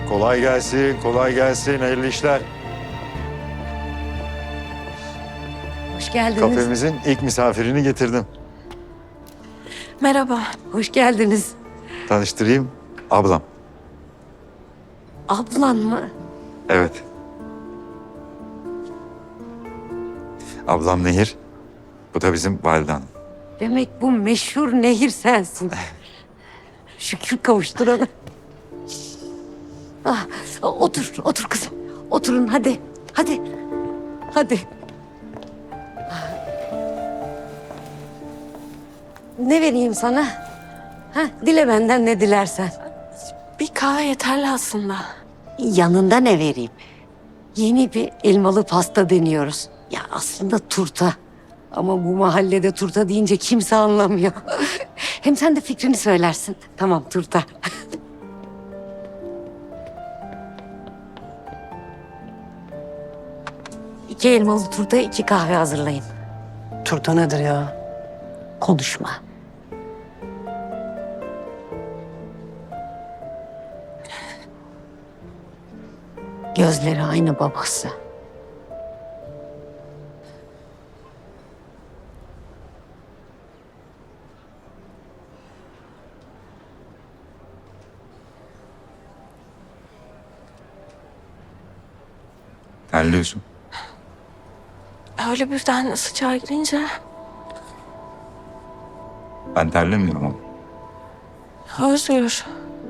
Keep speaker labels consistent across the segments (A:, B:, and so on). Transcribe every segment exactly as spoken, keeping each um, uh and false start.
A: Kolay gelsin, kolay gelsin. Hayırlı işler.
B: Hoş geldiniz.
A: Kafemizin ilk misafirini getirdim.
B: Merhaba. Hoş geldiniz.
A: Tanıştırayım, ablam.
B: Ablan mı?
A: Evet. Ablam Nehir. Bu da bizim valide hanım.
B: Demek bu meşhur Nehir sensin. Şükür kavuşturana. Ah, otur, otur kızım. Oturun hadi. Hadi. Hadi. Ne vereyim sana? Ha, dile benden ne dilersen.
C: Bir kahve yeterli aslında.
B: Yanında ne vereyim? Yeni bir elmalı pasta deniyoruz. Ya aslında turta. Ama bu mahallede turta deyince kimse anlamıyor. Hem sen de fikrini söylersin. Tamam turta. İki elmalı turta, iki kahve hazırlayın.
D: Turta nedir ya?
B: Konuşma. Gözleri aynı babası.
A: Terliyorsun.
C: Öyle birden sıcağa girince
A: Ben terlemiyorum ama.
C: Özgür.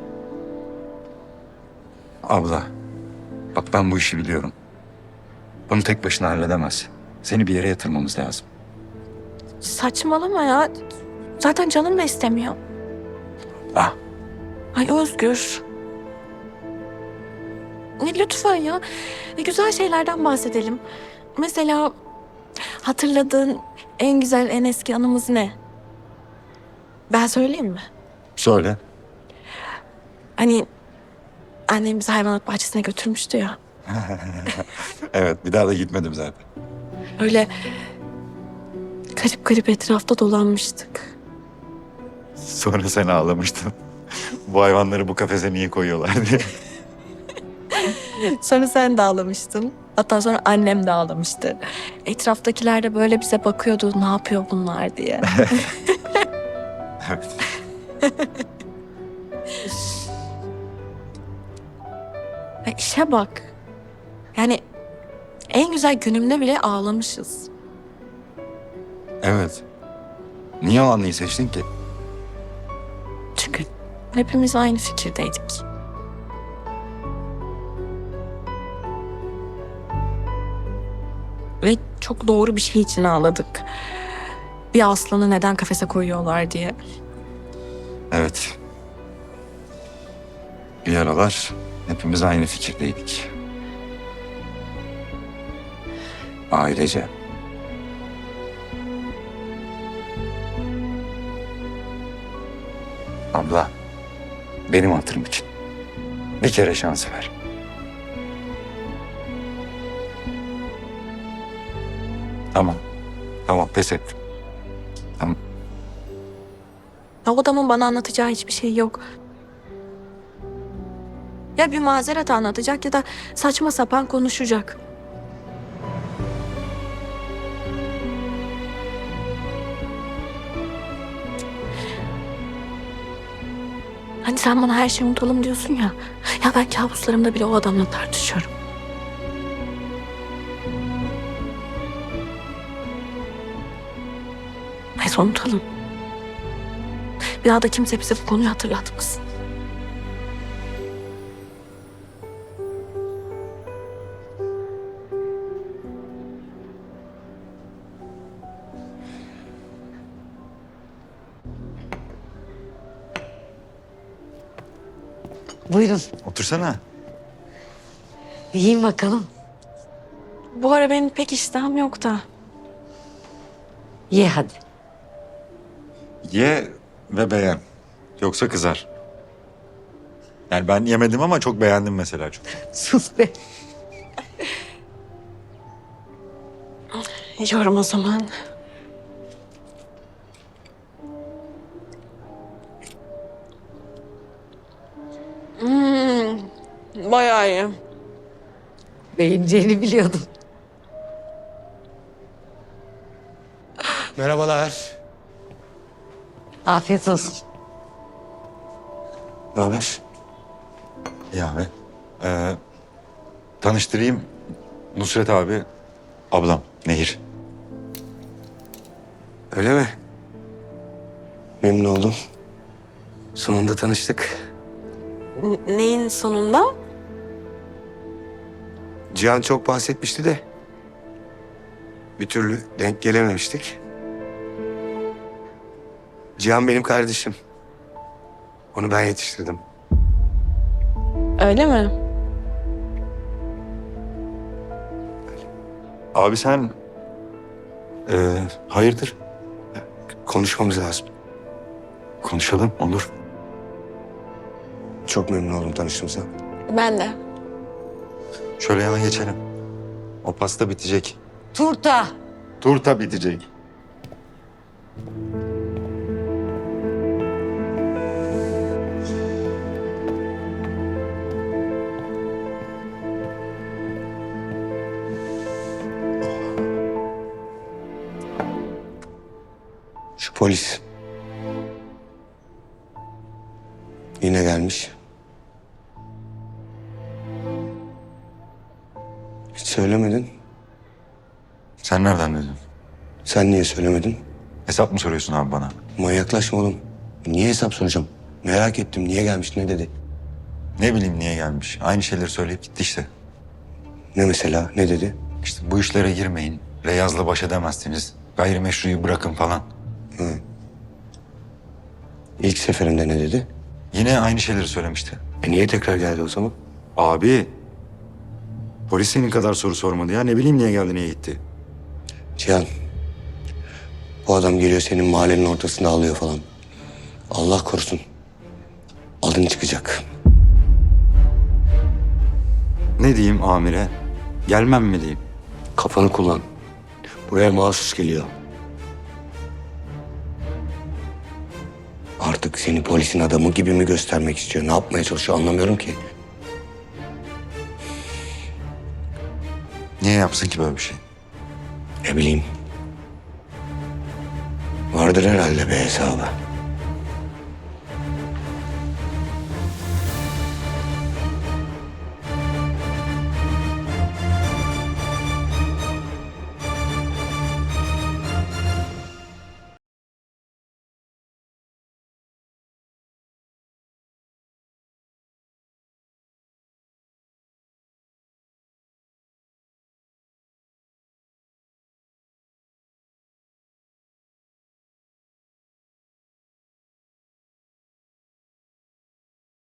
E: Abla, bak ben bu işi biliyorum. Bunu tek başına halledemez. Seni bir yere yatırmamız lazım.
C: Saçmalama ya. Zaten canım da istemiyor.
E: Ah,
C: Ay Özgür. Ne lütfen ya. Ne güzel şeylerden bahsedelim. Mesela hatırladığın en güzel, en eski anımız ne? Ben söyleyeyim mi?
A: Söyle.
C: Hani annem bizi hayvanat bahçesine götürmüştü ya.
A: Evet, bir daha da gitmedim zaten.
C: Öyle garip garip etrafta dolanmıştık.
A: Sonra sen ağlamıştın. Bu hayvanları bu kafese niye koyuyorlar diye.
C: Sonra sen de ağlamıştın. Hatta sonra annem de ağlamıştı. Etraftakiler de böyle bize bakıyordu. Ne yapıyor bunlar diye.
A: Evet.
C: Ya işe bak. Yani en güzel günümde bile ağlamışız.
E: evet. Niye o anıyı seçtin ki?
C: Çünkü hepimiz aynı fikirdeydik. Ve çok doğru bir şey için ağladık. Bir aslanı neden kafese koyuyorlar diye.
E: Evet. Bir aralar hepimiz aynı fikirdeydik. Ailece. Abla, benim hatırım için bir kere şans ver. Tamam. Tamam, pes ettim. Tamam.
C: Ya o adamın bana anlatacağı hiçbir şey yok. Ya bir mazeret anlatacak ya da saçma sapan konuşacak. Hani sen bana her şeyi unutalım diyorsun ya. Ya ben kabuslarımda bile o adamla tartışıyorum. Neyse unutalım. Bir daha da kimse bize bu konuyu hatırlatmasın.
B: Buyurun.
A: Otursana.
B: Yiyin bakalım.
C: Bu ara benim pek iştahım yok da.
B: Ye hadi.
A: Ye ve beğen. Yoksa kızar. Yani ben yemedim ama çok beğendim mesela çok.
B: Sus be.
C: Yiyorum o zaman. Hmm, Bayağı iyi.
B: Beğeneceğini biliyordum.
F: Merhabalar.
B: Afiyet olsun.
F: Ne haber?
A: İyi abi. Ee, tanıştırayım. Nusret abi, ablam Nehir.
F: Öyle mi? Memnun oldum. Sonunda tanıştık.
C: N- neyin sonunda?
F: Cihan çok bahsetmişti de bir türlü denk gelememiştik. Cihan benim kardeşim. Onu ben yetiştirdim.
C: Öyle mi?
A: Abi sen ee, hayırdır?
F: Konuşmamız lazım.
A: Konuşalım, olur.
F: Çok memnun oldum tanıştığımıza.
C: Ben de.
A: Şöyle yana geçelim. O pasta bitecek.
B: Turta.
A: Turta bitecek.
F: Şu polis. Yine gelmiş. Hiç söylemedin.
A: Sen nereden dedin?
F: Sen niye söylemedin?
A: Hesap mı soruyorsun abi bana?
F: Manyaklaşma oğlum. Niye hesap soracağım? Merak ettim. Niye gelmiş, ne dedi?
A: Ne bileyim niye gelmiş. Aynı şeyleri söyleyip gitti işte.
F: Ne mesela, ne dedi?
A: İşte bu işlere girmeyin. Reyaz'la baş edemezsiniz. Gayrimeşruyu bırakın falan.
F: İlk seferinde ne dedi?
A: Yine aynı şeyleri söylemişti.
F: E niye tekrar geldi o zaman?
A: Abi. Polis senin kadar soru sormadı ya. Ne bileyim niye geldi, niye gitti.
F: Cihan, bu adam geliyor senin mahallenin ortasında ağlıyor falan. Allah korusun. Adın çıkacak.
A: Ne diyeyim amire? Gelmem mi diyeyim?
F: Kafanı kullan. Buraya mahsus geliyor. Artık seni polisin adamı gibi mi göstermek istiyor? Ne yapmaya çalışıyor anlamıyorum ki.
A: Niye yapsın ki böyle bir şey?
F: Ne bileyim. Vardır herhalde bir hesabı.